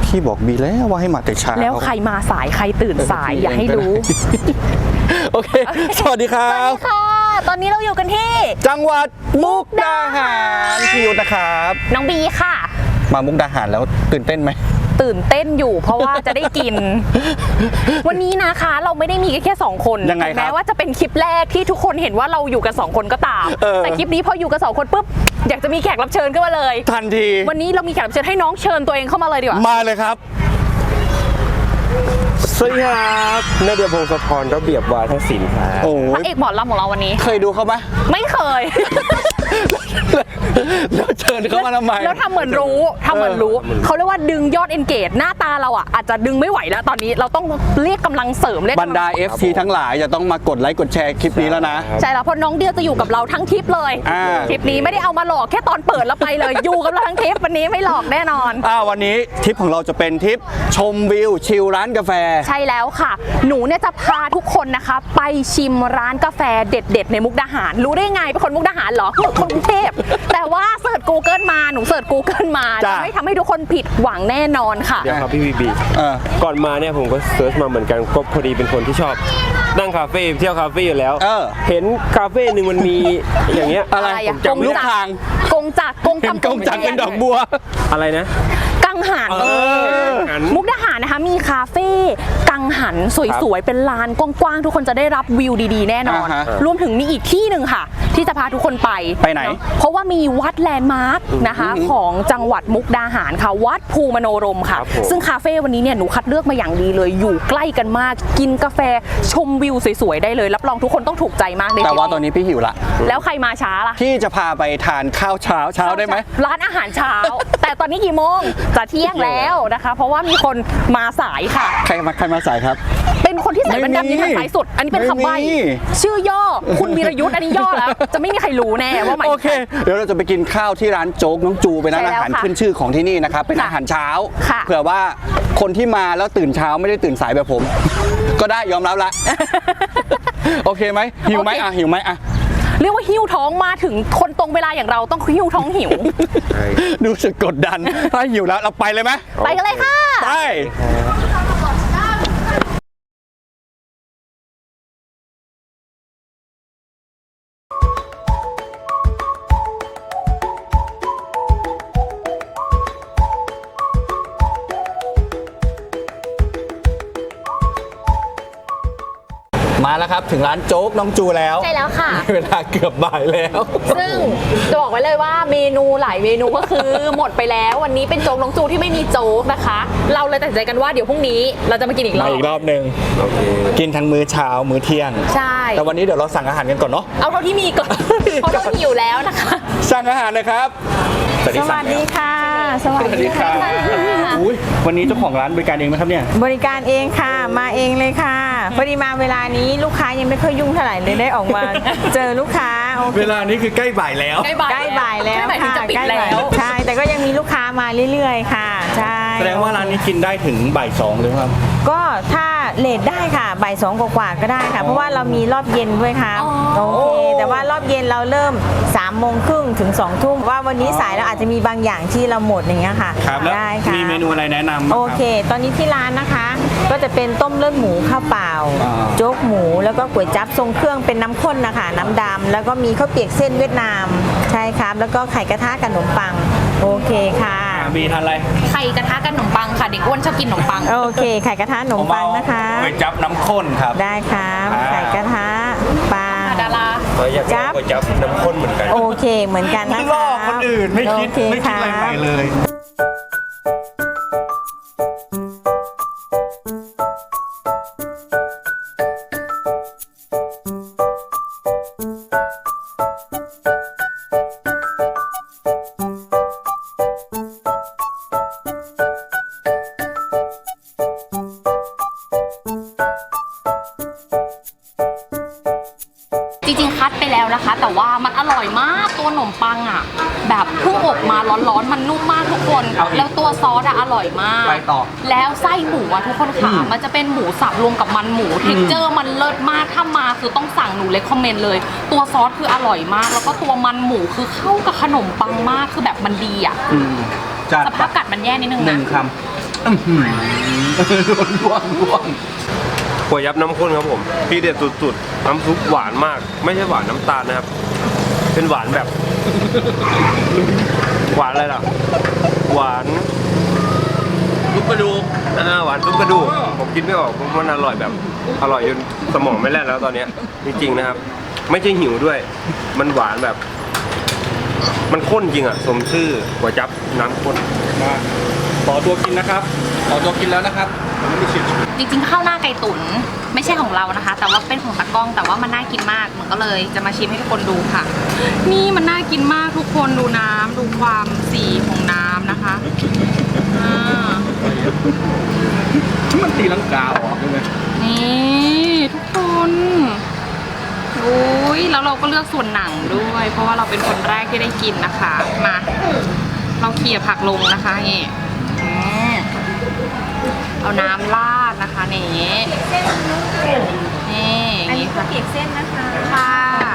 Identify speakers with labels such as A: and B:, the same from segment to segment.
A: พี่บอกบีแล้วว่าให้มาแต่เช้า
B: แล้วใครมาสายใครตื่นสายอย่าให้รู้
A: โอเคสวัสดีครับ
B: ค่ะ ตอนนี้เราอยู่กันที่
A: จังหวัดมุกดาหารพี่ยุทธนะครับ
B: น้องบีค่ะ
A: มามุกดาหารแล้วตื่นเต้นไหม
B: ตื่นเต้นอยู่เพราะว่าจะได้กิน วันนี้นะคะเราไม่ได้มีแค่2คน
A: ยังไงครับ
B: แม้ว่าจะเป็นคลิปแรกที่ทุกคนเห็นว่าเราอยู่กัน2คนก็ตามแต่คลิปนี้พออยู่กัน2คนปุ๊บอยากจะมีแขกรับเชิญขึ้นมาเลย
A: ทันที
B: วันนี้เรามีแขกรับเชิญให้น้องเชิญตัวเองเข้ามาเลยดีกว่า
A: มาเลยครับ
C: สวัสดีครับนาเดียพงศธรระเบียบวาทศิลป์ครับ
A: โอ้
B: พระเอกหมอลำของเราวันนี้
A: เคยดูเขาไหม
B: ไม่เคย
A: แล้วเชิญเขามาทำไม
B: แล้วทำเหมือนรู้เขาเรียกว่าดึงยอด engage หน้าตาเราอ่ะอาจจะดึงไม่ไหวแล้วตอนนี้เราต้องเรียกกำลังเสริมเรียก
A: บรรดา FC ทั้งหลายจะต้องมากดไลค์กดแชร์คลิปนี้แล้วนะ
B: ใช่แล้วเพราะน้องเดียวจะอยู่กับเราทั้งทริปเลยทริปนี้ไม่ได้เอามาหลอกแค่ตอนเปิดแล้วไปเลย อยู่กับเราทั้งทริปวันนี้ไม่หลอกแน่นอน
A: วันนี้ทริปของเราจะเป็นทริปชมวิวชิลร้านกาแฟ
B: ใช่แล้วค่ะหนูเนี่ยจะพาทุกคนนะคะไปชิมร้านกาแฟเด็ดๆในมุกดาหารรู้ได้ไงเป็นคนมุกดาหารเหรอคนกรุงเทพแต่ว่าเสิร์ช Google มาหนูเสิร์ช Google มาจะไม่ทำให้ทุกคนผิดหวังแน่นอนค่ะ
C: เดี๋ยวครับพี่บีก่อนมาเนี่ยผมก็เซิร์ชมาเหมือนกันก็พอดีเป็นคนที่ชอบนั่งคาเฟ่เที่ยวคาเฟ่อยู่แล้วเห็นคาเฟ่หนึ่งมันมีอย่างเงี้ย
B: อะไร
A: ลูกทาง
B: กงจัก
A: เป็นดอกบัว
C: อะไรนะ
B: กังหันมุกดาหารนะคะมีคาเฟ่กังหันสวยๆเป็นลานกว้างๆทุกคนจะได้รับวิวดีๆแน่นอนรวมถึงมีอีกที่หนึ่งค่ะที่จะพาทุกคนไป
A: ไหน
B: เพราะว่ามีวัดแลนด์มาร์คนะคะของจังหวัดมุกดาหารค่ะวัดภูมโนรมค่ะซึ่งคาเฟ่วันนี้เนี่ยหนูคัดเลือกมาอย่างดีเลยอยู่ใกล้กันมากกินกาแฟชมวิวสวยๆได้เลยรับรองทุกคนต้องถูกใจมากเลย
A: แต่ว่าตอนนี้พี่หิวละ
B: แล้วใครมาช้าล่ะ
A: พี่จะพาไปทานข้าวเช้าได้ไหม
B: ร้านอาหารเช้าแต่ตอนนี้กี่โมงจะเที่ยงแล้วนะคะเพราะว่ามีคนมาสายค่ะ
A: ใครมาสายครับ
B: เป็นคนที่ใส่แว่นดำที่ทันสายสุดอันนี้เป็นคำใบ้ชื่อย่อคุณวีรยุทธ์อันนี้ย่อแล้วจะไม่มีใครรู้แน่ว่าหมาย
A: โอเคเดี๋ยวเราจะไปกินข้าวที่ร้านโจ๊กน้องจูเป็นร้านอาหารขึ้นชื่อของที่นี่นะครับเป็นอาหารเช้าเผื่อว่าคนที่มาแล้วตื่นเช้าไม่ได้ตื่นสายแบบผมก็ได้ยอมรับละโอเคไหมหิวไหมหิวไหม
B: เรียกว่าหิ้วท้องมาถึงคนตรงเวลาอย่างเราต้องหิ้วท้องหิว
A: ดูสึกกดดันถ้าหิวแล้วเราไปเลยไหม
B: ไปกันเลยค่ะ
A: ไปมาแล้วครับถึงร้านโจ๊กน้องจูแล้ว
B: ใช่แล้วค่ะ
A: เวลาเกือบบ่ายแล้ว
B: ซึ่งจะบอกไว้เลยว่าเมนูหลายเมนูก็คือหมดไปแล้ววันนี้เป็นโจ๊กน้องจูที่ไม่มีโจ๊กนะคะเราเลยตัดสินใจกันว่าเดี๋ยวพรุ่งนี้เราจะมากินอีกรอบ
A: นึงกินทั้งมื้อเช้ามื้อเที่ยง
B: ใช่
A: แต่วันนี้เดี๋ยวเราสั่งอาหารกันก่อนเนาะ
B: เอาเท่าที่มีก่อนเพราะเราหิวแล้วนะคะ
A: สั่งอาหารเลยครับ
B: สวัสดีค่ะ
A: สวัสดีค่ะวันนี้เจ้าของร้านบริการเองไหมครับเนี่ย
D: บริการเองค่ะมาเองเลยค่ะพอดีมาเวลานี้ลูกค้ายังไม่ค่อยยุ่งเท่าไหร่เลยได้ออกมาเจอลูกค้า
A: เวลานี้คือใกล้บ่ายแล้ว
D: ใกล้บ่ายแล้วค่ะใกล้แล้วใช่แต่ก็ยังมีลูกค้ามาเรื่อยๆค่ะใช่
A: แสดงว่าร้านนี้กินได้ถึงบ่าย2เลยครับ
D: ก็ถ้าเลทได้ค่ะบ่าย2กว่าก็ได้ค่ะเพราะว่าเรามีรอบเย็นด้วยค่ะโอเคแต่ว่ารอบเย็นเราเริ่ม3:30ถึง2 ทุ่มว่าวันนี้สายเราอาจจะมีบางอย่างที่เราหมดอย่างเงี้ยค่ะ
A: ได้ค่ะมีเมนูอะไรแนะนำ
D: โอเคตอนนี้ที่ร้านนะคะก็จะเป็นต้มเลือดหมูข้าวเปล่าโจ๊กหมูแล้วก็ก๋วยจั๊บทรงเครื่องเป็นน้ำข้นนะคะน้ำดำแล้วก็มีข้าวเปียกเส้นเวียดนามใช่ครับแล้วก็ไข่กระทะกับขนมปังโอเคค่ะ
A: มีทานอะไร
B: ไข่กระทะกับขนมปังค่ะเด็กอ้วนชอบกินขนมปัง
D: โอเคไข่กระทะขนมปังนะคะ
A: ก๋วยจั๊บน้ำข้นครับ
D: ได้ครับไข่กระทะปัง
B: ดารา
C: จั๊บก๋วยจั๊บน้ำข้นเหมือนกัน
D: โอเคเหมือนกันนะคะ
A: ล่อคนอื่นไม่คิดอะไรใหม่เลย
B: จริงๆคัดไปแล้วนะคะแต่ว่ามันอร่อยมากตัวขนมปังอ่ะแบบเพิ่งอบมาร้อนๆมันนุ่มมากทุกคนแล้วตัวซอสอร่อยมากแล้วไส้หมูอ่ะทุกคนค่ะมันจะเป็นหมูสับรวมกับมันหมูเท็กเจอร์มันเลิศมากถ้ามาคือต้องสั่งหนูเลยคอมเมนต์เลยตัวซอสคืออร่อยมากแล้วก็ตัวมันหมูคือเข้ากับขนมปังมากคือแบบมันดีอ่ะสภาพกัดมันแย่นิดนึงนะ
A: 1 คำร่วง
C: ก๋วยจั๊บน้ำข้นครับผมที่เด็ดสุดๆน้ำซุปหวานมาก ไม่ใช่หวานน้ำตาลนะครับ เป็นหวานแบบ หวานอะไรล่ะ หวานซุปกระดูกหวานซุปกระดูกผมกินไม่ออกเพราะมันอร่อยแบบอร่อยจนสมองไม่แล่นแล้วตอนเนี้ยจริงๆนะครับ ไม่ใช่หิวด้วย มันหวานแบบ มันข้นจริงอ่ะสมชื่อก๋วยจั๊บน้ำข้น
A: มาขอตัวกินนะครับ ขอตัวกินแล้วนะครับผมไม่มีชิม
B: จริงๆข้าวหน้าไก่ตุ๋นไม่ใช่ของเรานะคะ แต่ว่าเป็นของตากล้องแต่ว่ามันน่ากินมากเหมือนก็เลยจะมาชิมให้ทุกคนดูค่ะ นี่มันน่ากินมากทุกคนดูน้ำดูความสีของน้ำนะคะอ่า
A: มันตีลังกาออกใช่ไหม
B: นี่ทุกคนโอ้ยแล้วเราก็เลือกส่วนหนังด้วย เพราะว่าเราเป็นคนแรกที่ได้กินนะคะมาเราเขี่ยผักลงนะคะนี่เอาน้ำราดนะคะนี่นี่อันนี้ข้าวเปียกเส้นนะคะค่ะ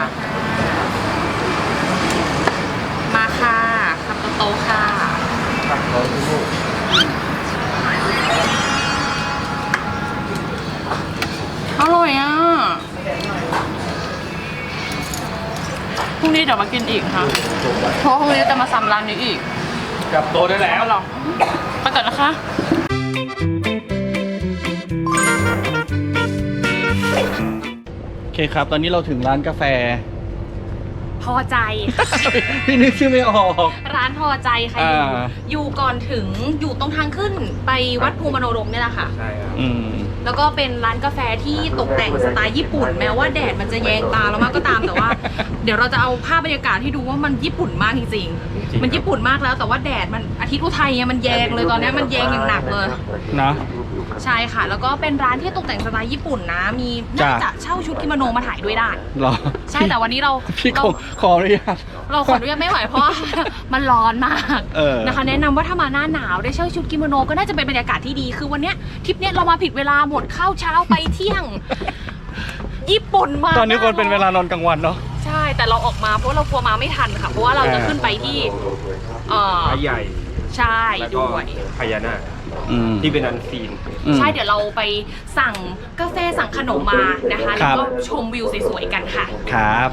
B: มาค่ะคำโตๆค่ะอร่อยอ่ะพรุ่งนี้เดี๋ยวมากินอีกค่ะเพราะพรุ่งนี้จะมาซ้ำร้านนี้อีก
A: กลับโตได้แล้ว
B: หรอไปก่อนนะคะ
A: โอเคครับ ตอนนี้เราถึงร้านกาแฟ
B: พอใจ
A: พี่นึกชื่อไม่ออก
B: ร้านพอใจค่ะอยู่ก่อนถึงอยู่ตรงทางขึ้นไปวัดภูมโนรมเนี่ยแหละค่ะ
C: ใช่ครับ
B: แล้วก็เป็นร้านกาแฟที่ตกแต่งสไตล์ญี่ปุ่นแม้ว่าแดดมันจะแยงตาเรามากก็ตามแต่ว่า เดี๋ยวเราจะเอาภาพบรรยากาศให้ดูว่ามันญี่ปุ่นมากจริงๆมันญี่ปุ่นมากแล้วแต่ว่าแดดมันอาทิตย์อุทัยมันแยงเลยตอนนี้มันแยงอย่างหนักเลย
A: นะ
B: ใช่ค่ะ แล้วก็เป็นร้านที่ตกแต่งสไตล์ญี่ปุ่นนะ มีน่าจะเช่าชุดกิโมโนมาถ่ายด้วยได้
A: หรอ
B: ใช่แต่วันนี้เรา
A: พี่ขออนุญาต
B: เราขออนุญาตไม่ไหวเพราะว่า มันร้อนมาก นะคะ แนะนำว่าถ้ามาหน้าหนาวได้เช่าชุดกิโมโนก็น่าจะเป็นบรรยากาศที่ดีคือวันเนี้ยทริปเนี้ยเรามาผิดเวลาหมดข้าวเช้าไปเที่ยง ญี่ปุ่นมาก
A: ตอนนี้คนเป็นเวลานอนกลางวันเนาะ
B: ใช่แต่เราออกมาเพราะเรากลัวมาไม่ทันค่ะเพราะว่าเราจะขึ้นไปที่
C: พระใหญ่
B: ใช่
C: แล้วก็
B: ด้วย
C: พญานาคที่เป็นอันซีน
B: ใช่เดี๋ยวเราไปสั่งกาแฟสั่งขนมมานะคะแล้วก็ชมวิวสวยๆกันค่ะ
A: ครับ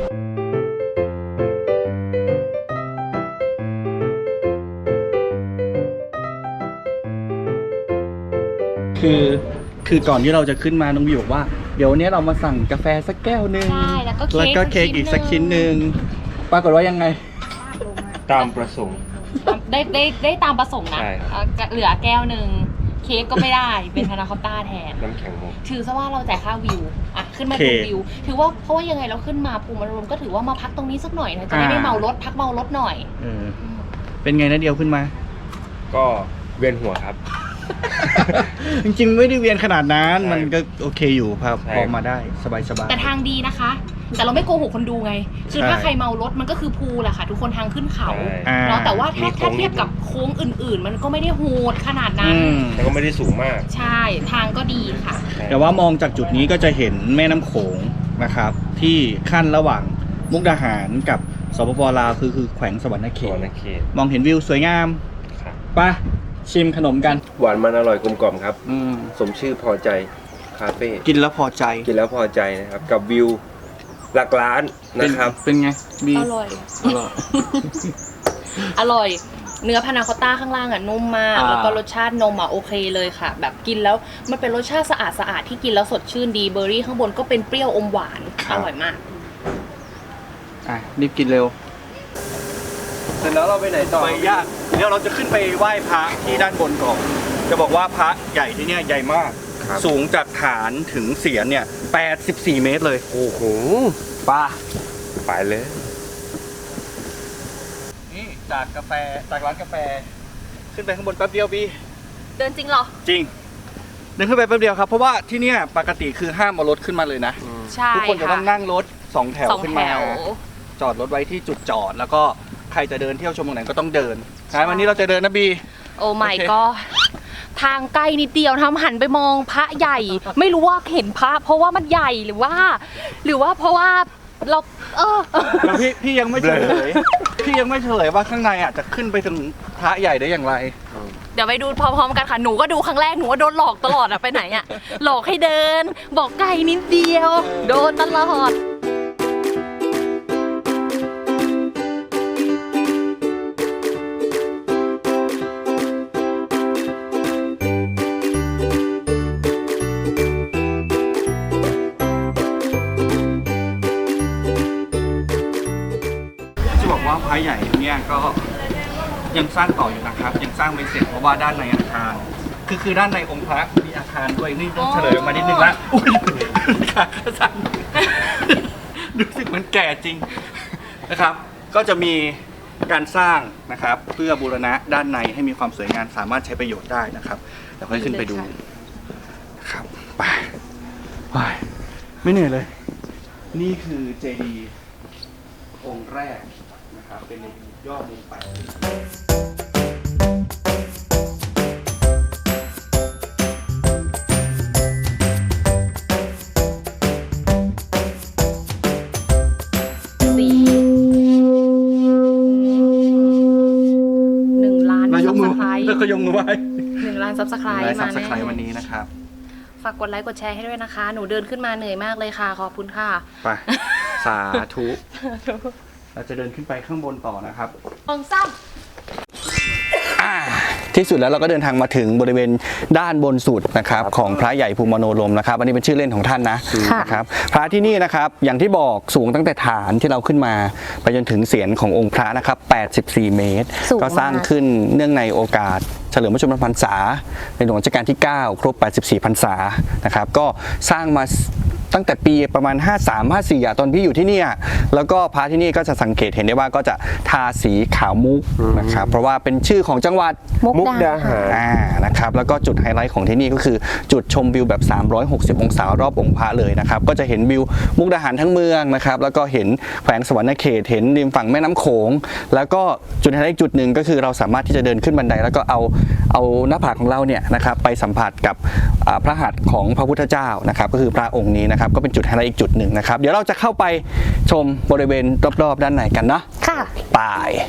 A: คือก่อนที่เราจะขึ้นมาน้องวิวบอกว่าเดี๋ยววันนี้เรามาสั่งกาแฟสักแก้วหนึ่ง
B: ใช่แล้วก็เค้ก
A: อีกสักชิ้นหนึ่งปรากฏว่ายังไง
C: ตามประสงค์
B: ได้ตามประสงค์นะ
C: ใช่
B: เหลือแก้วหนึ่งเค้กก็ไม่ได้เป็นพานาคอตต้าแทน
C: น้ำแข็งมุก
B: ถือซะว่าเราจ่ายค่าวิวอ่ะขึ้นมาดูวิวถือว่าเพราะว่ายังไงเราขึ้นมาภูมิอารมณ์ก็ถือว่ามาพักตรงนี้สักหน่อยนะจะได้ไม่เมารถพักเมารถหน่อย
A: เป็นไงนะเดียวขึ้นมา
C: ก็เวียนหัวครับ
A: จริงๆไม่ได้เวียนขนาดนั้นมันก็โอเคอยู่ครับพอมาได้สบาย
B: แต่ทางดีนะคะ แต่เราไม่โกหกคนดูไงคือถ้าใครเมารถมันก็คือภูแหละค่ะทุกคนทางขึ้นเขาเนาะแต่ว่าถ้าเทียบกับโค้งอื่นๆ มันก็ไม่ได้โหดขนาดนั้น
C: แต่ก็ไม่ได้สูงมาก
B: ใช่ทางก็ดีค่ะ
A: แต่ว่ามองจากจุดนี้ก็จะเห็นแม่น้ำโขงนะครับที่ขั้นระหว่างมุกดาหารกับสปป.ลาวคือแขวงสวรรณเขตมองเห็นวิวสวยงามไปชิมขนมกัน
C: หวานมันอร่อยกลมกล่อมครับสมชื่อพอใจคาเฟ่
A: กินแล้วพอใจ
C: นะครับกับวิวหลักล้านนะครับ
A: เป็นไง
B: อร่อยอร่อยเนื้อพานาคอตต้าข้างล่างอ่ะนุ่มมากแล้วก็รสชาตินมอ่ะโอเคเลยค่ะแบบกินแล้วมันเป็นรสชาติสะอาดที่กินแล้วสดชื่นดีเบอร์รี่ข้างบนก็เป็นเปรี้ยวอมหวานอร่อยมาก
A: รีบกินเร็วเสร็จแล้วเราไปไหนต่อไปยากเดี๋ยวเราจะขึ้นไปไหว้พระที่ด้านบนก่อนจะบอกว่าพระใหญ่ที่เนี่ยใหญ่มากสูงจากฐานถึงเศียรเนี่ย84 เมตรเลย
C: โอ้โหไปเลย
A: นี่จากร้านกาแฟขึ้นไปข้างบนแป๊บเดียวพี่
B: เดินจริงเหรอ
A: จริงเดินขึ้นไปแป๊บเดียวครับเพราะว่าที่เนี่ยปกติคือห้ามเอารถขึ้นมาเลยนะ
B: ใช่
A: ทุกคนจะต้องนั่งรถ2 แถวขึ้นมาจอดรถไว้ที่จุดจอดแล้วก็ใครจะเดินเที่ยวชมตรงไหนก็ต้องเดินวันนี้เราจะเดินนะบี
B: โอ้ไม่ก็ทางใกล้นิดเดียวทำหันไปมองพระใหญ่ไม่รู้ว่าเห็นพระเพราะว่ามันใหญ่หรือว่าเพราะว่าเรา
A: พี่ยังไม่เฉลยว่าข้างในอ่ะจะขึ้นไปถึงพระใหญ่ได้อย่างไร
B: เดี๋ยวไปดูพร้อมๆกันค่ะหนูก็ดูครั้งแรกหนูก็โดนหลอกตลอดอะไปไหนอะหลอกให้เดิน บอกไกลนิดเดียว โดนตลอด
A: จะบอกว่าพระใหญ่เนี่ยก็ยังสร้างต่ออยู่นะครับยังสร้างไม่เสร็จเพราะว่าด้านในอาคารคือด้านในองค์พระมีอาคารด้วยนี่ต้องเฉลยออกมานิดนึงละอุ้ยสั่นรู้สึกมันแก่จริงนะครับ ก็จะมีการสร้างนะครับเพื่อบูรณะด้านในให้มีความสวยงามสามารถใช้ประโยชน์ได้นะครับเดี๋ยวค่อยขึ้นไปดูนะครับไปไม่เหนื่อยเลย นี่คือเจดีย์องค์แรกนะครับเป็นในยอดมุมแปด
B: 1,000,000
A: ยกมือ
B: Subscribe
A: แล้วก็ยกมือไหว้
B: 1,000,000 Subscribe
A: ได้
B: มา
A: ซับสไคร
B: แน่
A: ต์วันนี้นะครับ
B: ฝากกดไลค์กดแชร์ให้ด้วยนะคะ หนูเดินขึ้นมาเหนื่อยมากเลยค่ะขอบคุณค่ะ
A: ไป สาธุ เราจะเดินขึ้นไปข้างบนต่อนะครับ
B: องซ้ำ
A: ที่สุดแล้วเราก็เดินทางมาถึงบริเวณด้านบนสุดนะครับของพระใหญ่ภูมิมโนรมนะครับอันนี้เป็นชื่อเล่นของท่านนะครับพระที่นี่นะครับอย่างที่บอกสูงตั้งแต่ฐานที่เราขึ้นมาไปจนถึงเศียรขององค์พระนะครับ84 เมตร ก็สร้างขึ้นเนื่องในโอกาสเฉลิมพระชนมพรรษาในหลวงรัชกาลที่ 9 ครบ 84 พรรษานะครับก็สร้างมาตั้งแต่ปีประมาณ 53-54 ตอนพี่อยู่ที่นี่แล้วก็พระที่นี่ก็จะสังเกตเห็นได้ว่าก็จะทาสีขาวมุกนะครับเพราะว่าเป็นชื่อของจังหวัด
C: มุกดาหาร
A: นะครับแล้วก็จุดไฮไลท์ของที่นี่ก็คือจุดชมวิวแบบ 360 องศารอบองค์พระเลยนะครับก็จะเห็นวิวมุกดาหารทั้งเมืองนะครับแล้วก็เห็นแขวงสวรรณเขตเห็นริมฝั่งแม่น้ำโขงแล้วก็จุดไฮไลท์อีกจุดหนึ่งก็คือเราสามารถที่จะเดินขึ้นบันไดแล้วก็เอาหน้าผากของเราเนี่ยนะครับไปสัมผัสกับพระหัตถ์ของพระพุทธเจ้านะครับก็คือพระองค์นี้นะครับก็เป็นจุดไฮไลท์อีกจุดหนึ่งนะครับเดี๋ยวเราจะเข้าไปชมบริเวณรอบๆด้านในกันนะ
B: ค่ะ
A: ไป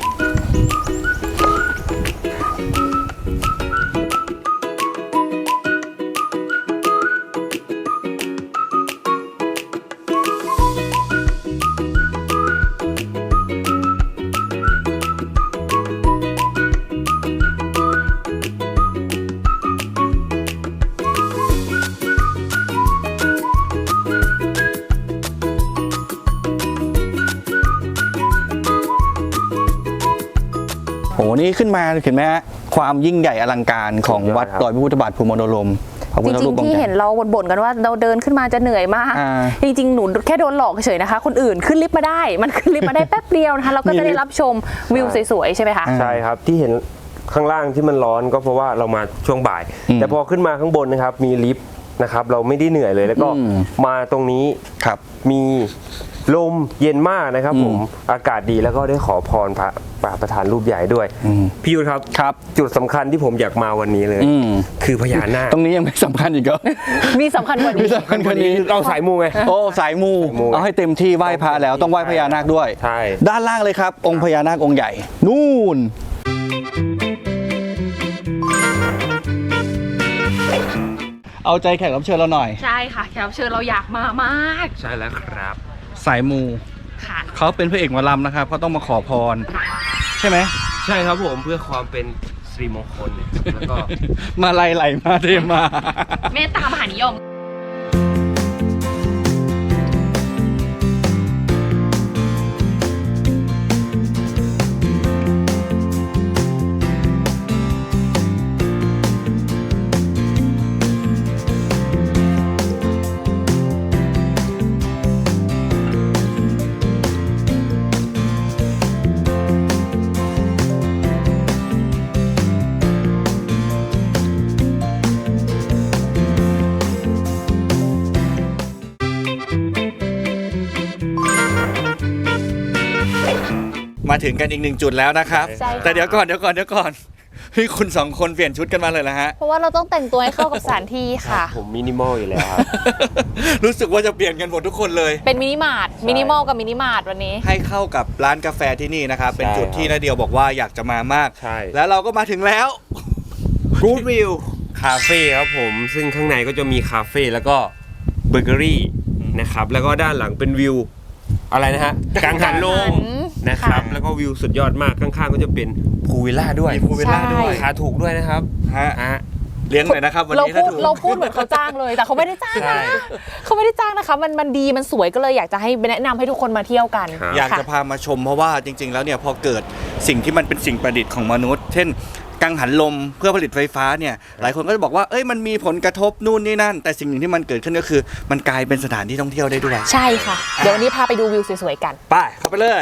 A: โอ้โหนี่ขึ้นมาเห็นไหมฮะความยิ่งใหญ่อลังการของวัดดอยพระพุทธบาทภูมิมโนรม
B: จริงๆที่เห็นเราบ่นๆกันว่าเราเดินขึ้นมาจะเหนื่อยมากจริงๆหนูแค่โดนหลอกเฉยๆนะคะคนอื่นขึ้นลิฟต์มาได้มันขึ้นลิฟต์มาได้แป๊บเดียวนะคะเราก็จะได้รับชมวิวสวยๆใช่ไหมคะ
C: ใช่ครับที่เห็นข้างล่างที่มันร้อนก็เพราะว่าเรามาช่วงบ่ายแต่พอขึ้นมาข้างบนนะครับมีลิฟต์นะครับเราไม่ได้เหนื่อยเลยแล้วก็มาตรงนี้
A: ครับ
C: มีลมเย็นมากนะครับผมอากาศดีแล้วก็ได้ขอพรพระประธานรูปใหญ่ด้วยพี่ยุทธครับจุดสำคัญที่ผมอยากมาวันนี้เลยคือพญานาค
A: ตรงนี้ยังไม่สำคัญอีกเหรอ
B: มีสำคัญกว่านี้
A: มีสำคัญกว่านี้
C: เราสายมูไง
A: โอ้สายมูเอาให้เต็มที่ไหว้พระแล้วต้องไหว้พญานาคด้วย
C: ใช่
A: ด้านล่างเลยครับองค์พญานาคองค์ใหญ่นู่นเอาใจแขกรับเชิญเราหน่อย
B: ใช่ค่ะแขกรับเชิญเราอยากมามาก
C: ใช่แล้วครับ
A: สายมูเขาเป็นพระเอกหมอลำนะครับเขาต้องมาขอพรใช่ไหม
C: ใช่ครับผมเพื่อความเป็นสิริมงคลแล้วก็
A: มาไล่ไหลมาเทมา
B: เมตตามหานิยม
A: มาถึงกันอีกหนึ่งจุดแล้วนะครับแต่เดี๋ยวก่อนพี่คุณสองคนเปลี่ยนชุดกันมาเลยนะฮะ
B: เพราะว่าเราต้องแต่งตัวให้เข้ากับสถานที่ค่ะ
C: ผมมินิมอลอยู่แล้วครับ
A: รู้สึกว่าจะเปลี่ยนกันหมดทุกคนเลย
B: เป็นมินิมาร์ทมินิมอลกับมินิมาร์ทวันนี้
A: ให้เข้ากับร้านกาแฟที่นี่นะครับเป็นจุดที่นาเดียวบอกว่าอยากจะมามาก
C: ใช่
A: แล้วเราก็มาถึงแล้ว
C: Good View คาเฟ่ครับผมซึ่งข้างในก็จะมีคาเฟ่แล้วก็เบเกอรี่นะครับแล้วก็ด้านหลังเป็นวิวอะไรนะฮะกังหันลมนะครับแล้วก็วิวสุดยอดมากข้างๆก็จะเป็นพูลวิลล่าด้วย
A: มีพูลวิลล่าด้วย
C: ราคาถูกด้วยนะครับ
A: ฮะเลี้ยงหน่อยนะครับวันนี้ถ้าถูก
E: เราพูดเหมือนเขาจ้างเลยแต่เขาไม่ได้จ้าง
C: ใช่
E: นะเขาไม่ได้จ้างนะคะมันดีมันสวยก็เลยอยากจะให้แนะนำให้ทุกคนมาเที่ยวกัน
C: ครับ
A: อยากจะพามาชมเพราะว่าจริง ๆ แล้วเนี่ยพอเกิดสิ่งที่มันเป็นสิ่งประดิษฐ์ของมนุษย์ เช่นกังหันลมเพื่อผลิตไฟฟ้าเนี่ยหลายคนก็จะบอกว่าเอ้ยมันมีผลกระทบนู่นนี่นั่น แต่สิ่งหนึ่งที่มันเกิดขึ้นก็คือ มันกลายเป็นสถานที่ท่องเที่ยวได้ด้วย
E: ใช่ค่ะ เดี๋ยววันนี้พาไปดูวิวสวยๆกัน
A: ไปเข้าไปเลย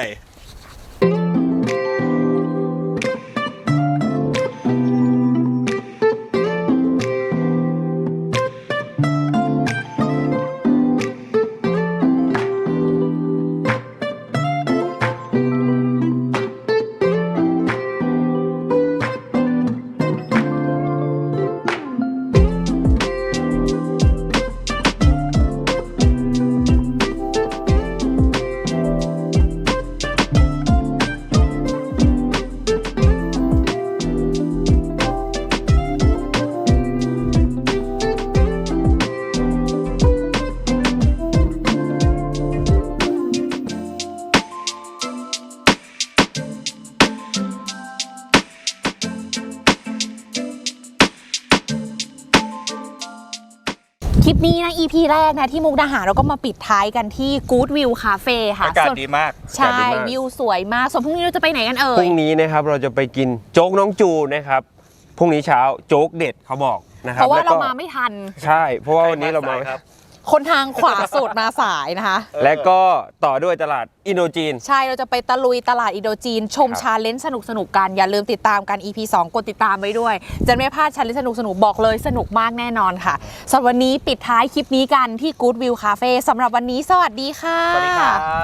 E: คลิปนี้นะ EP แรกนะที่มุกดาหารเราก็มาปิดท้ายกันที่ Good View Cafe ค่ะ
A: อากาศ
E: ส่วน
A: ดีมาก
E: ใช่วิวสวยมากส่วนพรุ่งนี้เราจะไปไหนกันเอ่
C: พรุ่
E: ย
C: งนี้นะครับเราจะไปกินโจ๊กน้องจูนะครับพรุ่งนี้เช้าโจ๊กเด็ดเขาบอกนะครั
E: เพ
C: บ
E: ราะว่า
C: แล้ว
E: เรา
C: ก็
E: มาไม่ทัน
C: ใช่เพราะว่าวันนี้เรามา
A: ครับ
E: คนทางขวาสุดมาสายนะคะ
C: และก็ต่อด้วยตลาดอินโดจีน
E: ใช่เราจะไปตะลุยตลาดอินโดจีน ชม
C: ครับ
E: ชาเลนจ์สนุกๆกัน อย่าลืมติดตามกัน EP 2 กดติดตามไว้ด้วย จะไม่พลาดชาเลนจ์สนุกๆบอกเลยสนุกมากแน่นอนค่ะสำหรับวันนี้ปิดท้ายคลิปนี้กันที่ Good View Cafe สำหรับวันนี้สวัสดีค่ะ
A: สวัสดีครับ